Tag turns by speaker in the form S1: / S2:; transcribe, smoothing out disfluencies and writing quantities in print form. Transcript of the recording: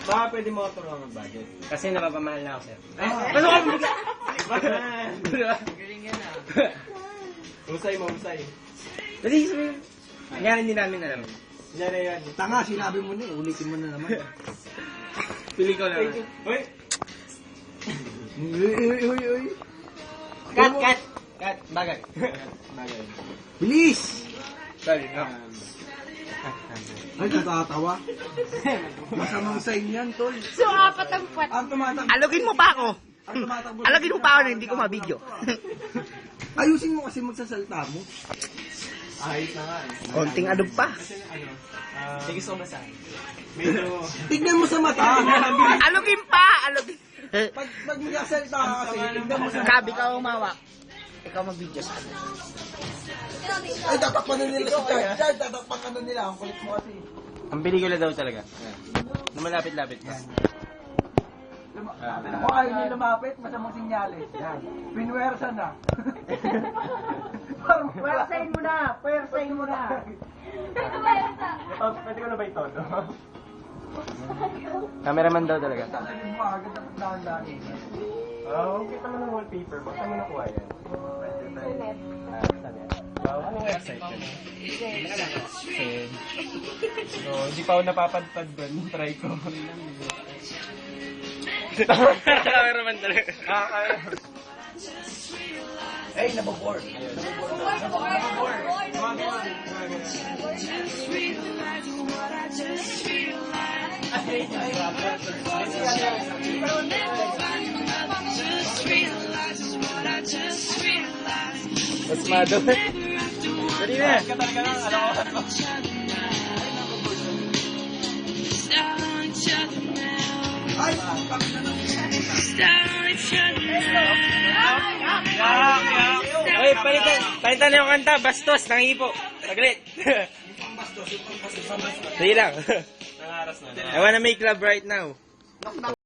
S1: Baka pwede mo turuan ng budget.
S2: Kasi napapamahal na ako, sir.
S1: Ano ka bigla?
S3: Galing yan ah.
S1: Husay mo, husay.
S2: Dali, sabihin. Nangyari hindi namin alam.
S1: Yan na yan.
S4: Tanga, sinabi mo na eh. Ulitin mo na naman.
S2: Pili ko lang.
S1: Uy!
S4: Uy.
S2: Cut! Bagay.
S1: Bagay.
S4: Bilis!
S2: Sorry, no.
S4: Ay, natatawa. Masamang sign yan, tol.
S5: So, apat ang puwet.
S4: Ang tumatakbo.
S6: Alogin mo pa ako.
S4: Ang tumatakbo.
S6: Alogin mo pa ako na hindi ko mabidyo.
S4: Ayusin mo kasi magsasalta mo.
S1: Ayos na nga eh.
S6: Konting alog pa.
S1: Kasi ano,
S2: Sige, sumasa.
S1: medyo...
S4: Tignan mo sa mata.
S6: Alogin pa! Alogin.
S4: Pag magsasalta ka kasi, tignan mo sa mata.
S6: Gabi ka umawak. Ikaw magbidyo sa akin.
S4: Ay, tatakpan na nila si Chad. Chad, tatakpan na nila. Ang kulit mo kasi.
S2: Ang pelikula daw talaga. Na malapit-lapit pa.
S4: Kung ayaw niya lumapit, masamang sinyalis. Yan. Pinwersa na. Pwersahin mo na. Pwersahin mo na.
S1: Pwede ko na ba ito?
S2: Cameraman daw talaga.
S4: Sasabihin mo agad na pagdahan-dahan.
S1: Kita mo ng wallpaper. Baka mo nakuha yan.
S5: Internet.
S1: Anong website yan? So, hindi pa ako napapadpad doon. Try ko.
S2: Cameraman talaga.
S4: Ay, nababoard.
S2: Mas mado. Dali na.
S4: Ay,
S2: Oy, palitan na yung kanta. Bastos, nangipo. Saglit. Sige lang.
S1: Nangaras na.
S2: I wanna make love right now.